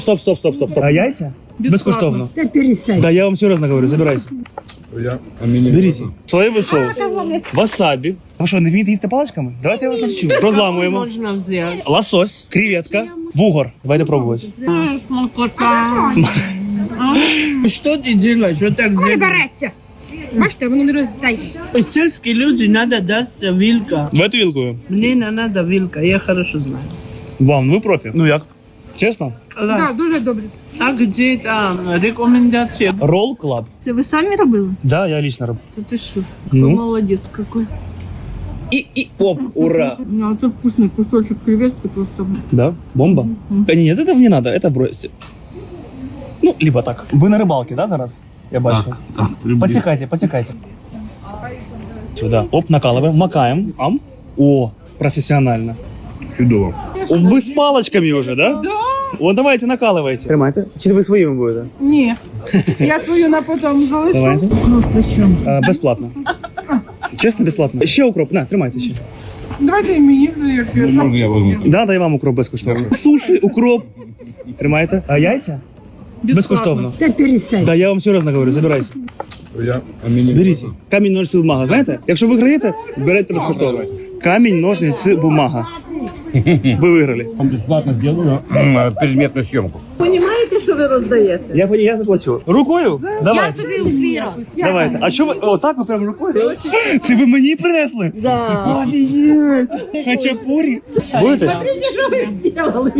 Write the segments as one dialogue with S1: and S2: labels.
S1: Стоп. А яйця? Безкоштовно.
S2: Та перестань.
S1: Да, я вам серьезно говорю, забирайте. Беріть. Соєвий соус, васабі. Ви що, не вмієте їсти паличками? Давайте я вас навчу. Розламуємо.
S3: Можна взяти.
S1: Лосось, креветка, вугор. Давайте пробувати.
S3: Що ти робиш? Що так
S2: Не
S3: робиш?
S2: береться. Бачите, воно не розцяйте.
S3: Сільські люди треба дати вилка.
S1: Давайте вілкою.
S3: Мені не треба вилка, я хорошо знаю.
S1: Вам, ви профі. Ну як? Чесно?
S2: Так,
S3: Раз.
S2: дуже добре.
S3: А де там рекомендація?
S1: Roll Club.
S2: Це ви самі робили?
S1: Да, я лично робив.
S3: Це ти що?
S1: Ну.
S3: Молодець какой.
S1: Оп, ура.
S2: Ну, це вкусний кусочок креветки просто.
S1: Да? Бомба? Нет, этого не надо, это бросьте. Ну, либо так. Ви на рибалці, да, зараз? Я бачу. Потікайте. Сюда. Оп, накалываем, макаем. Ам. О, профессионально.
S4: Чудово.
S1: О, вы с палочками уже, да? Да. Вот давайте, накалывайте. Тримайте. Чи ви своїми будете?
S3: Ні. Я свою на потом залишу.
S1: Давайте.
S3: Ну, при чому?
S1: Безплатно. Чесно, безплатно. Ще укроп, на, тримайте ще.
S3: Давайте і мені.
S4: Можно я возьму?
S1: Да, і вам укроп безкоштовно. Суші, укроп. Тримайте. А яйця? Безкоштовно.
S2: Та перестань.
S1: Да, я вам серйозно говорю, забирайте. Беріть. Камінь, ножниці, бумага. Знаєте? Якщо ви виграєте, берете безкоштовно. Камінь, ножниці, бумага. Ви виграли.
S4: Бесплатно сделаю предметную съемку.
S3: Понімаєте, що ви роздаєте?
S1: Я заплачу. Рукою? Давайте.
S2: Собі узбіра.
S1: Давайте. А що ви? Отак ви прям рукою? Це ви мені принесли? Да. Офігеть. Хачапурі. Будете?
S3: Що ви зробили?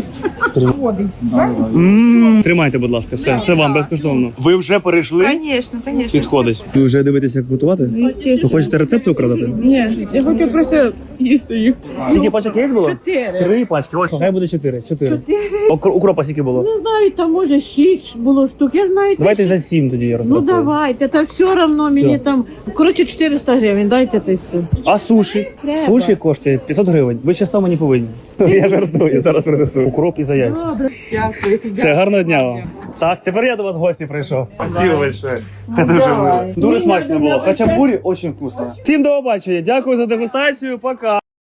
S1: Тримайте, будь ласка, все. Це вам безкоштовно. Ви вже перейшли?
S2: Звісно.
S1: Підходить. Ви вже дивитеся, як готувати? Ви хочете рецепти украдати?
S3: Ні, я хочу просто їсти їх.
S1: Скільки пачок є було?
S3: 4.
S1: 3 пачки. Ось, хай буде 4. Укропа скільки було?
S3: Не знаю, там може 6 було штук. Я знаю.
S1: Давайте за 7 тоді я
S3: Ну
S1: розрахую.
S3: давайте, та все одно мені там. Коротше, 400 гривень, дайте ти все.
S1: А суші?
S3: Треба.
S1: Суші коштує 500 гривень. Ви ще 100 мені повинні. Я жартую, зараз принесу. Укроп і за яйця.
S3: Добре, дякую.
S1: Все, гарного дня вам. Так, тепер я до вас в гості прийшов. Спасибо большое. Дуже мило. Дуже смачно було. Хачапурі дуже вкусно. Всім до побачення. Дякую за дегустацію. Пока.